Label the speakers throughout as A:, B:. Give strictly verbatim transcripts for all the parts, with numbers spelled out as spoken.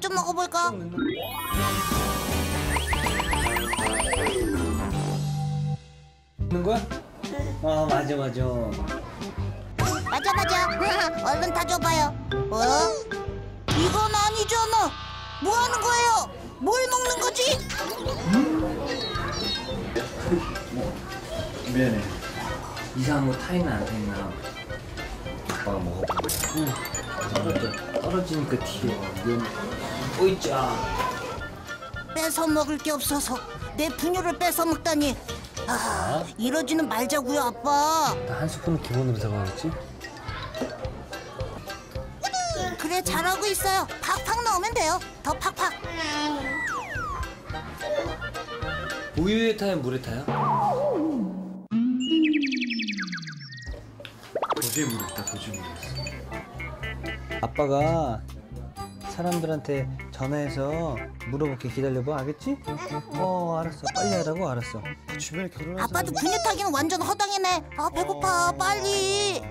A: 밥 좀 먹어볼까?
B: 먹는 거야? 아 맞아 맞아.
A: 맞아 맞아. 얼른 다 줘봐요. 어? 이건 아니잖아. 뭐 하는 거예요? 뭘 먹는 거지?
B: 뭐 미안해. 이상한 거 타있나 안 타있나 아빠가 먹어보고. 응. 떨어져. 떨어지니까 튀어. 미안해. 오이짜.
A: 뺏어 먹을 게 없어서 내 분유를 뺏어 먹다니. 아, 이러지는 말자고요, 아빠.
B: 나 한 스푼은 기본으로 사가야겠지?
A: 그래, 잘하고 있어요. 팍팍 넣으면 돼요. 더 팍팍.
B: 우유에 타요, 물에 타요? 도저히 모르겠다, 도저히 모르겠어. 아빠가 사람들한테 전화해서 물어볼게. 기다려봐, 알겠지? 어, 알았어. 빨리 하라고. 알았어. 주변에 결혼한
A: 아빠도 분유 타기는 완전 허당이네. 아, 배고파. 빨리.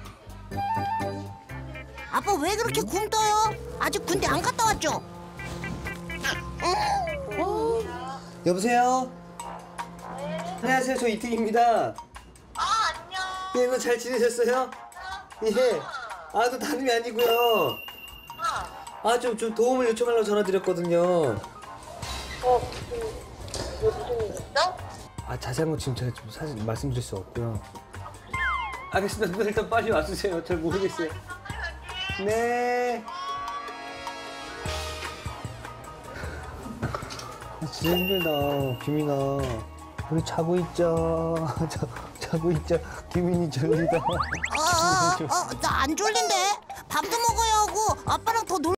A: 아빠 왜 그렇게 굶떠요? 아직 군대 안 갔다 왔죠?
B: 여보세요? 안녕하세요. 저 이특입니다.
C: 아, 안녕.
B: 예, 너 잘 지내셨어요? 예. 아, 또 다름이 아니고요. 아, 좀, 좀 도움을 요청하려고 전화드렸거든요.
C: 어, 무슨, 뭐 무슨 일 있어?
B: 아, 자세한 건 지금 제가 좀 사실 말씀드릴 수 없고요. 알겠습니다. 누나 일단 빨리 와주세요. 잘 모르겠어요. 네. 아, 진짜 힘들다. 규민아. 우리 자고 있자. 자, 자고 있자. 규민이 졸리다.
A: 어, 어, 어, 나 안 졸린데. 밥도 먹어야 하고 아빠랑 더 놀